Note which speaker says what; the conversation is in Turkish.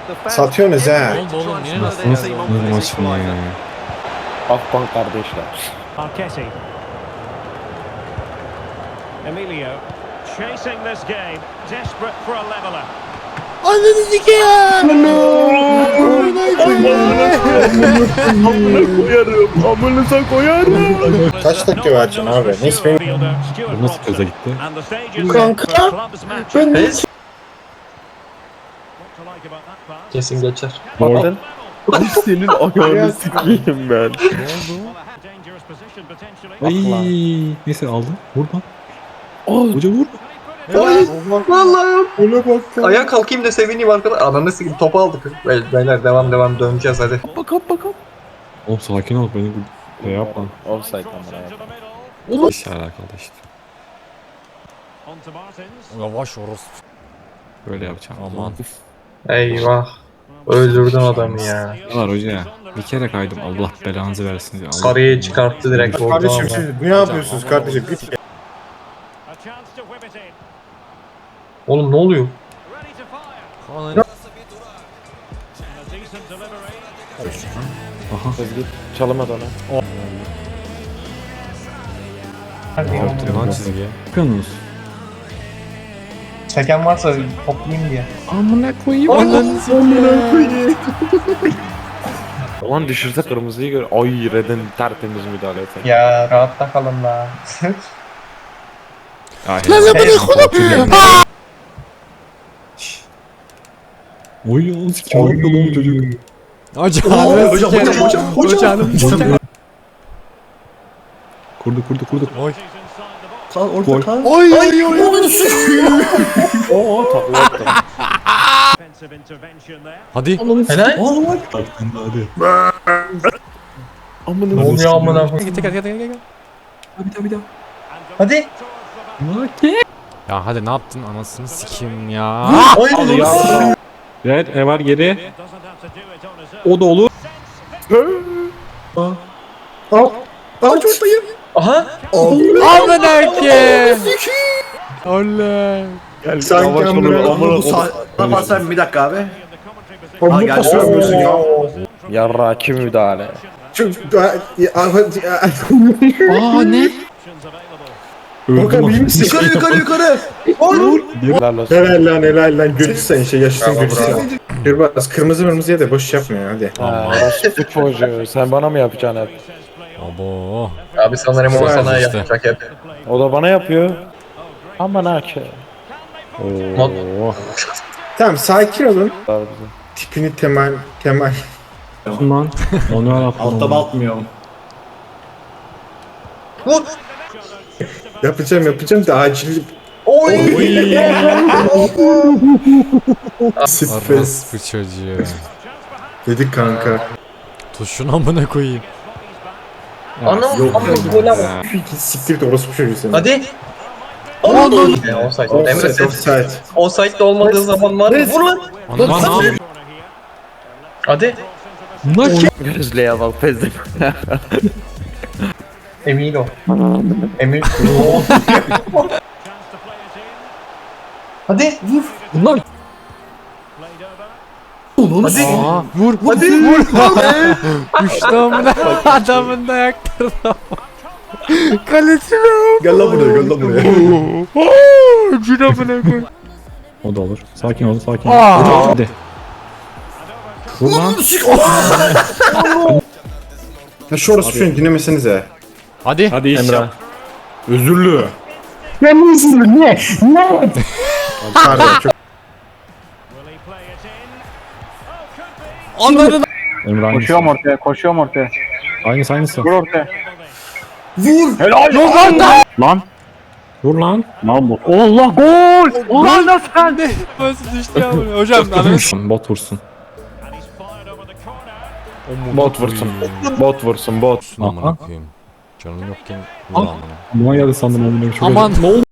Speaker 1: Satıyorsunuz ha.
Speaker 2: Oldu oğlum yine
Speaker 3: Nasıl maç mı ya?
Speaker 4: Akbank kardeşler.
Speaker 5: Arquetti. Emilio chasing this game, desperate for a leveler.
Speaker 4: Amınıza koyarım.
Speaker 1: Kaç dakika vereceksin abi? Neyse benim...
Speaker 3: Bu nasıl kaza gitti?
Speaker 1: Kanka, ben
Speaker 6: Kesin geçer.
Speaker 3: Oradan.
Speaker 4: Ay senin ayağını sikeyim ben.
Speaker 3: Ay, neyse aldı. Vur lan. Hoca vur.
Speaker 6: Vallahi
Speaker 1: Öyle bak ya.
Speaker 6: ayağa kalkayım da sevineyim arkadaş. Ananı sikeyim topu aldık. Beyler devam döneceğiz hadi.
Speaker 4: Bakalım.
Speaker 3: Oğlum sakin ol beni şey yapma.
Speaker 4: Offside kamera.
Speaker 3: İşle alakalı işte.
Speaker 2: Yavaş orospu.
Speaker 3: Böyle yapacağım.
Speaker 2: Aman.
Speaker 6: Eyvah. Öldürdün adamı ya.
Speaker 3: Ne var hoca ya? Bir kere kaydım. Allah belanızı versin diye. Allah-
Speaker 6: Sarıyı çıkarttı direkt orada.
Speaker 1: Kardeşim siz ne yapıyorsunuz kardeşim? Git.
Speaker 6: Oğlum ne oluyor?
Speaker 2: Ananı.
Speaker 4: Çalamadı ona.
Speaker 2: Lan çizgiye.
Speaker 3: Bakıyorsunuz.
Speaker 6: Çeken varsa toplayayım diye.
Speaker 3: Amına koyayım.
Speaker 4: Ulan düşürse kırmızıyı gör. Ay Red'in tertemiz müdahale etsen.
Speaker 6: Ya rahatta kalın la.
Speaker 3: Oy oğlum kim yapıyor lan bu çocuk?
Speaker 2: Hocam.
Speaker 3: Kurdu.
Speaker 2: Oy.
Speaker 3: Gol.
Speaker 4: Oo takla attı.
Speaker 2: Hadi.
Speaker 6: Helal.
Speaker 3: Hadi.
Speaker 6: Ne oluyor amına koyayım?
Speaker 2: Gel.
Speaker 3: Bir daha.
Speaker 6: Hadi.
Speaker 2: Ya hadi ne yaptın anasını sikeyim ya.
Speaker 6: Ay
Speaker 4: Ya.
Speaker 3: Red ne var geri? O da olur.
Speaker 6: Aha.
Speaker 2: Amına ki. Oley.
Speaker 4: Gel
Speaker 1: Sanki
Speaker 4: yavaş
Speaker 1: amına-
Speaker 4: olun amına.
Speaker 7: Sen bir dakika abi.
Speaker 1: Oğlum bu pas vermiyorsun ya.
Speaker 4: Yarra kim müdahale?
Speaker 2: Aa ne?
Speaker 1: Bakalım iyi misin?
Speaker 7: Yukarı.
Speaker 4: Helal olsun.
Speaker 1: Helal lan götü sen şey yaşasın götü sen. Kırbaz kırmızı ya da boş yapma ya hadi.
Speaker 4: Orası çocuğu. Sen bana mı yapacaksın hep?
Speaker 2: Abo.
Speaker 6: Abi sanırım o
Speaker 2: Güzel
Speaker 6: sana
Speaker 2: işte.
Speaker 6: yapacak hep.
Speaker 4: O da bana yapıyor. Aman ha ki.
Speaker 1: Tamam sakin olun. Tipini temel.
Speaker 3: Lan. Onu al atma.
Speaker 7: Altta batmıyorum.
Speaker 6: Vur.
Speaker 1: Yapacağım da acil. Stres
Speaker 2: Orospu çocuğu.
Speaker 1: dedik kanka.
Speaker 2: Tuşun amına koyayım.
Speaker 6: Anam gol ama.
Speaker 1: Siktir et orospu çocuğu seni.
Speaker 6: Hadi. Offside. Emre
Speaker 1: Offside
Speaker 6: sen
Speaker 1: offside.
Speaker 6: offside'de olmadığı zaman var. Vur lan.
Speaker 2: Lan ne yapıyorsun?
Speaker 6: Hadi.
Speaker 4: Gözlüğe bak pezdim.
Speaker 6: Emin ol. Emin. Hadi. Vur.
Speaker 3: Bunlar.
Speaker 6: Hadi.
Speaker 2: Aa, vur. Düştü amına. Adamın da ayakları. Kaleci ne?
Speaker 1: Gel lan buraya.
Speaker 2: Cin amına koy.
Speaker 3: O da olur. Sakin ol.
Speaker 2: Aa.
Speaker 3: Hadi. Vur lan.
Speaker 1: Ya şu orospu çocuğu dinlemesenize.
Speaker 2: Hadi.
Speaker 3: Hadi iş
Speaker 4: Emre.
Speaker 3: yap. Özürlü.
Speaker 1: Pardon çok.
Speaker 2: Anladın.
Speaker 3: Emre aynısı.
Speaker 4: Koşuyorum ortaya.
Speaker 3: Aynısı.
Speaker 4: Vur ortaya.
Speaker 3: Vur lan.
Speaker 4: Allah gol!
Speaker 2: Lan nasıl geldi? Nasıl düştü ya bunu? Hocam anasını.
Speaker 3: Bot vursun.
Speaker 4: Bot vursun. Bot vursun bot.
Speaker 2: Amına koyayım. Canım yokken vur amına.
Speaker 3: Buna geldi sandım onu.
Speaker 2: Aman.